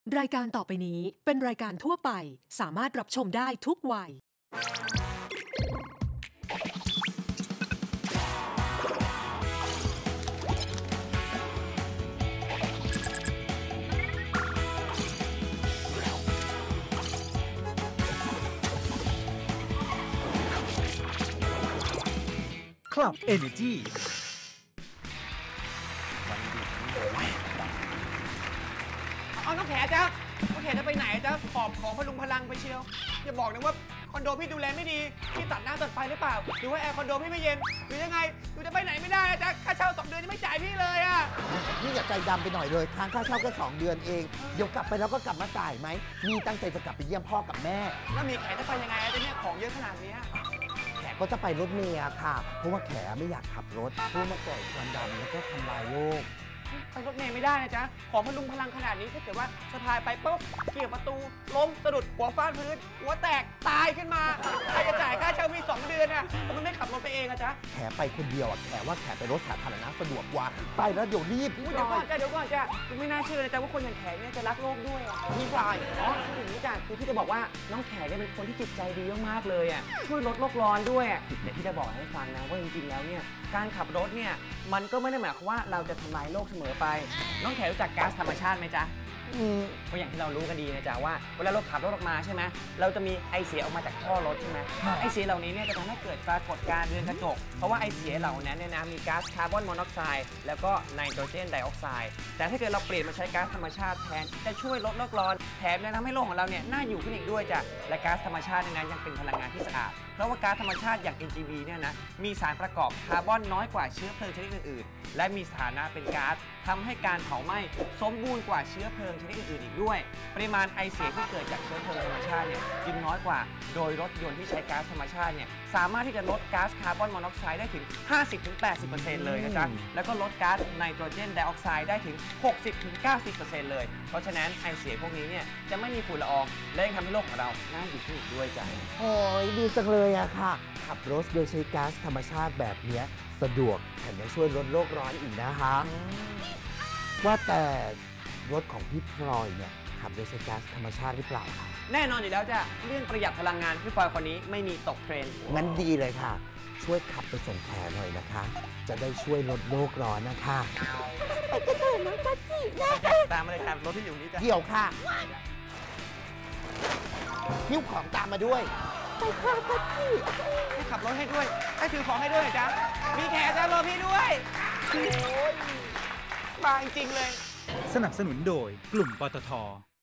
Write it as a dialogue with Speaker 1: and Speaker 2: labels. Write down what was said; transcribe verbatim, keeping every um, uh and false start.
Speaker 1: รายการต่อไปนี้เป็นรายการทั่วไปสามารถรับชมได้ทุกวัย
Speaker 2: คลับ Energy
Speaker 3: เอาน้องแขจ้ะน้องแขจะไปไหนจ้ะขอบของพลุงพลังไปเชียวอย่าบอกนะว่าคอนโดพี่ดูแลไม่ดีพี่ตัดน้ำตัดไฟหรือเปล่าหรือว่าแอร์คอนโดพี่ไม่เย็นหรือยังไงหนูจะไปไหนไม่ได้จ้ะค่าเช่าสองเดือนยังไม่จ่ายพี่เลยอ่ะ
Speaker 4: นี่อย่าใจดำไปหน่อยเลยค้างค่าเช่าแค่สองเดือนเองเดี๋ยวกลับไปแล้วก็กลับมาจ่ายไหมมีตั้งใจจะกลับไปเยี่ยมพ่อกับแม่
Speaker 3: แล้วมีแขจะไปยังไงจะเนี่ยของเยอะขนาดนี้
Speaker 4: แขก็จะไปรถเมล์ค่ะเพราะว่าแขไม่อยากขับรถเพราะมาก่อควันดำแล้วก็ทำลายโลก
Speaker 3: ไปรถเมล์ไม่ได้นะจ๊ะของพลุงพลังขนาดนี้ถ้าเกิดว่าสะพายไปปุ๊บเกี่ยวประตูล้มสะดุดหัวฟาดพื้นหัวแตกตายขึ้นมาใครจะจ่ายค่าเช่าพี่สองเดือนอ่ะทำไมไม่ขับรถไปเองอะจ๊ะ
Speaker 4: แขไปคนเดียวอ่ะแขว่าแขไปรถสาธารณะสะดวกกว่าไปแล้วเดี๋ยวรีบ
Speaker 3: เดี๋ยวก่อนจ้ะเดี๋ยวก่อนจ้ะไม่น่าเชื่อเลยจ้ะว่าคนอย่างแขเนี่ยจะรักโลกด้วยอ่ะ
Speaker 4: พี่ปลาย
Speaker 3: อ๋อคืออย่างนี้จ้ะคือพี่จะบอกว่าน้องแขเนี่ยเป็นคนที่จิตใจดีมากๆเลยอ่ะช่วยลดโลกร้อนด้วยแต่พี่จะบอกให้ฟังนะว่าจริงๆแล้วเนี่ยการขับรถเนี่ยมันก็ไม่ได้หมายความว่าเราจะทำลายโลกเสมอไปน้องแขรู้จักก๊าซธรรมชาติไหมจ๊ะเพราะอย่างที่เรารู้กันดีนะจ๊ะว่าเวลาเราขับรถออกมาใช่ไหมเราจะมีไอเสียออกมาจากท่อรถใช่ไหมไอเสียเหล่านี้เนี่ยจะทำให้เกิดปรากฏการณ์เรือนกระจกเพราะว่าไอเสียเหล่านั้นเนี่ยนะมีก๊าซคาร์บอนมอนอกไซด์แล้วก็ไนโตรเจนไดออกไซด์แต่ถ้าเกิดเราเปลี่ยนมาใช้ก๊าซธรรมชาติแทนจะช่วยลดโลกร้อนแถมยังทำให้โลกของเราเนี่ยน่าอยู่ขึ้นอีกด้วยจ้ะและก๊าซธรรมชาติเนี่ยนะยังเป็นพลังงานที่สะอาดเพราะว่าก๊าซธรรมชาติอย่าง เอ็น จี วี เนี่ยนะมีสารประกอบคาร์บอนน้อยกว่าเชื้อเพลิงชนิดอื่นๆและมีสถานะเป็นก๊าซทำให้การเผาไหม้สมบูรณ์กว่าเชื้อเพลิงชนิดอื่นๆอีกด้วยปริมาณไอเสียที่เกิดจากเชื้อเพลิงธรรมชาติเนี่ยจึงน้อยกว่าโดยรถยนต์ที่ใช้ก๊าซธรรมชาติเนี่ยสามารถที่จะลดก๊าซคาร์บอนมอนอกไซด์ได้ถึง ห้าสิบถึงแปดสิบเปอร์เซ็นต์ เลยนะจ๊ะแล้วก็ลดก๊าซไนโตรเจนไดออกไซด์ได้ถึง หกสิบถึงเก้าสิบเปอร์เซ็นต์ เลยเพราะฉะนั้นไอเสียพวกนี้เนี่ยจะไม่มีฝุ่นละอองและยังทำให้โลกของเราน่าอยู่ขึ้นอีกด้วยจ้ะ
Speaker 4: โอ้ยดีจังเลยอะค่ะขับรถโดยใช้ก๊าซธรรมชาติแบบนี้สะดวกแถมยังช่วยลดโลกร้อนอีกนะคะว่าแต่รถของพี่พลอยเนี่ยขับโดยใช้ก๊าซธรรมชาติหรือเปล่าคะ
Speaker 3: แน่นอนอยู่แล้วจ้ะเรื่องประหยัดพลังงานพี่พลอยคนนี้ไม่มีตกเทรนด์
Speaker 4: งั้นดีเลยค่ะช่วยขับไปส่งแขหน่อยนะคะจะได้ช่วยลดโลกร้อนนะคะไปกระเถินน้องจัจินะ
Speaker 3: ตามมาเลยครับรถที่อยู่นี้จ้ะ
Speaker 4: เดี๋ยวค่ะหิ้วของตามมาด้วยไปค่ะจัจิ
Speaker 3: ให้ขับรถให้ด้วยให้ถือของให้ด้วยจ้ะมีแขจ้ะรอพี่ด้วยโอ้ยมาจริงๆเลย
Speaker 2: สนับสนุนโดยกลุ่มปตท